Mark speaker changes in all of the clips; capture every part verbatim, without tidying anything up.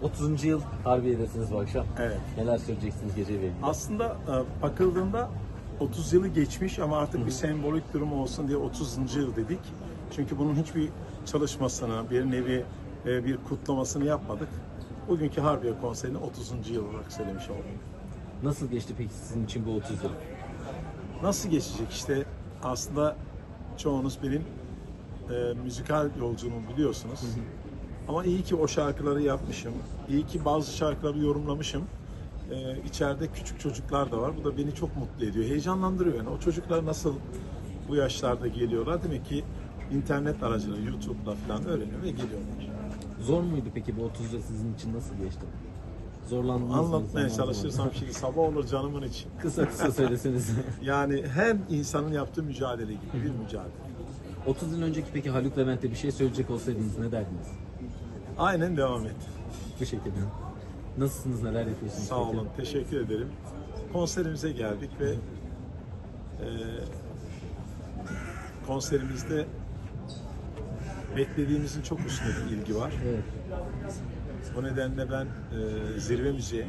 Speaker 1: otuzuncu yıl Harbiye'desiniz bu akşam.
Speaker 2: Evet.
Speaker 1: Neler söyleyeceksiniz geceyle ilgili?
Speaker 2: Aslında e, bakıldığında otuz yılı geçmiş ama artık bir sembolik durum olsun diye otuzuncu yıl dedik. Çünkü bunun hiçbir çalışmasını, bir nevi e, bir kutlamasını yapmadık. Bugünkü Harbiye konserini otuzuncu yıl olarak söylemiş oldum.
Speaker 1: Nasıl geçti peki sizin için bu otuz yıl?
Speaker 2: Nasıl geçecek işte aslında çoğunuz benim e, müzikal yolculuğumu biliyorsunuz. Hı hı. Ama iyi ki o şarkıları yapmışım. İyi ki bazı şarkıları yorumlamışım. Ee, içeride küçük çocuklar da var. Bu da beni çok mutlu ediyor. Heyecanlandırıyor yani. O çocuklar nasıl bu yaşlarda geliyorlar? Demek ki internet aracılığıyla, YouTube'da falan öğreniyor ve geliyorlar.
Speaker 1: Zor muydu peki bu otuz yıl sizin için, nasıl geçti? Zorlandınız mı?
Speaker 2: Anlatmaya
Speaker 1: zaman
Speaker 2: çalışırsam
Speaker 1: zaman?
Speaker 2: şimdi sabah olur canımın için.
Speaker 1: Kısa kısa söyleseniz.
Speaker 2: Yani her insanın yaptığı mücadele gibi bir mücadele.
Speaker 1: otuz yıl önceki peki Haluk Levent'e bir şey söyleyecek olsaydınız ne derdiniz?
Speaker 2: Aynen devam et.
Speaker 1: Teşekkür ederim. Nasılsınız, neler yapıyorsunuz?
Speaker 2: Sağ
Speaker 1: peki?
Speaker 2: olun, teşekkür ederim. Konserimize geldik ve e, konserimizde beklediğimizin çok üstünde bir ilgi var.
Speaker 1: Evet.
Speaker 2: Bu nedenle ben e, Zirve Müziğe,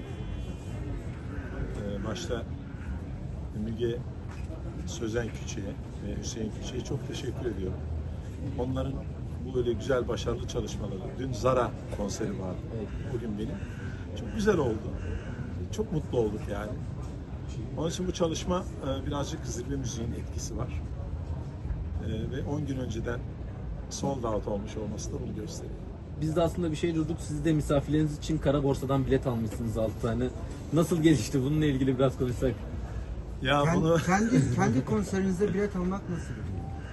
Speaker 2: e, başta Müge Sözen Küçük'e ve Hüseyin Küçük'e çok teşekkür ediyorum. Onların bu böyle güzel, başarılı çalışmaları. Dün Zara konseri vardı.
Speaker 1: Evet.
Speaker 2: Bugün benim. Çok güzel oldu. Çok mutlu olduk yani. Onun için bu çalışma e, birazcık Zirve Müziğin etkisi var. E, ve on gün önceden sold out olmuş olması da bunu gösteriyor.
Speaker 1: Biz de aslında bir şey durduk. Siz de misafirleriniz için Kara Borsa'dan bilet almışsınız altı tane. Nasıl gelişti? Bununla ilgili biraz konuşsak.
Speaker 2: Ya
Speaker 3: Kendi,
Speaker 2: bunu
Speaker 3: kendi, kendi konserinizde bilet almak nasıl bir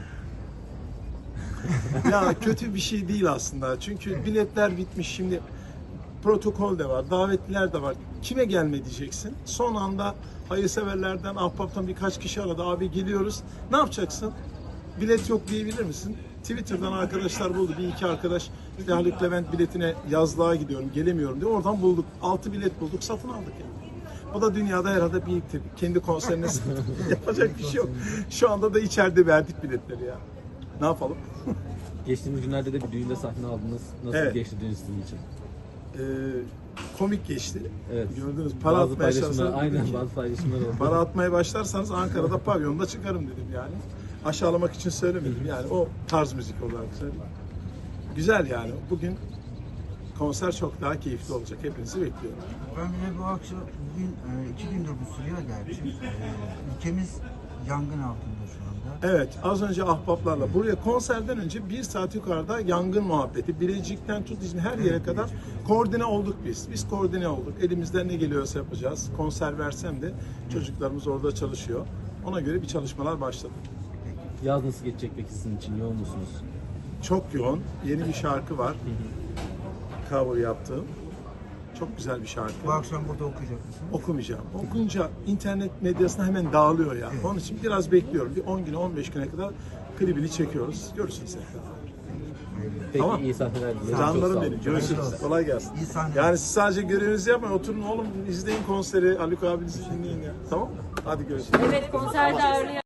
Speaker 3: duygu?
Speaker 2: ya kötü bir şey değil aslında. Çünkü biletler bitmiş şimdi. Protokol de var, davetliler de var. Kime gelme diyeceksin. Son anda hayırseverlerden, ahbaptan birkaç kişi aradı. Abi geliyoruz. Ne yapacaksın? Bilet yok diyebilir misin? Twitter'dan arkadaşlar buldu. Bir iki arkadaş işte Haluk Levent biletine yazlığa gidiyorum, gelemiyorum diye. Oradan bulduk. Altı bilet bulduk, satın aldık yani. O da dünyada herhalde bir ilk tabii. Kendi konserine yapacak bir şey yok. Şu anda da içeride verdik biletleri ya. Ne yapalım?
Speaker 1: Geçtiğimiz günlerde de bir düğünde sahne aldınız. Nasıl
Speaker 2: Evet.
Speaker 1: geçti düğün sizin için?
Speaker 2: Ee, komik geçti.
Speaker 1: Evet.
Speaker 2: Gördünüz. Para
Speaker 1: Bazı
Speaker 2: atmaya
Speaker 1: paylaşımlar,
Speaker 2: çalışsanız
Speaker 1: aynen
Speaker 2: dedim ki,
Speaker 1: bazı paylaşımlar oldu.
Speaker 2: para atmaya başlarsanız Ankara'da pavyonda çıkarım dedim yani. Aşağılamak için söylemedim yani. O tarz müzik olarak söyledim. Güzel yani. Bugün konser çok daha keyifli olacak. Hepinizi bekliyorum.
Speaker 3: Ben bile bu akşam, bugün e, iki gündür bu sürüyor gerçi. E, ülkemiz yangın altında şu anda.
Speaker 2: Evet, az önce ahbaplarla buraya konserden önce bir saat yukarıda yangın muhabbeti. Bilecik'ten tut İzmir her yere kadar koordine olduk biz. Biz koordine olduk. Elimizden ne geliyorsa yapacağız. Konser versem de çocuklarımız orada çalışıyor. Ona göre bir çalışmalar başladı.
Speaker 1: Yaz nasıl geçecek peki sizin için? Yoğun musunuz?
Speaker 2: Çok yoğun. Yeni bir şarkı var. Cover yaptığım. Çok güzel bir şarkı.
Speaker 3: Bu akşam burada okuyacak mısın?
Speaker 2: Okumayacağım. Okunca internet medyasına hemen dağılıyor ya. Onun için biraz bekliyorum. Bir on güne on beş güne kadar klibini çekiyoruz. Görüşürüz tekrar.
Speaker 1: Peki,
Speaker 2: Tamam.
Speaker 1: iyi sahneler dilerim. Çok sağ
Speaker 2: Canlarım
Speaker 1: olun.
Speaker 2: benim. Görüşürüz. Kolay gelsin.
Speaker 3: İyi sahneler.
Speaker 2: Yani siz sadece görevinizi yapmayın. Oturun oğlum izleyin konseri. Haluk abinizi dinleyin ya. Tamam mı? Hadi görüşürüz.
Speaker 4: Evet, konserde ağırlayan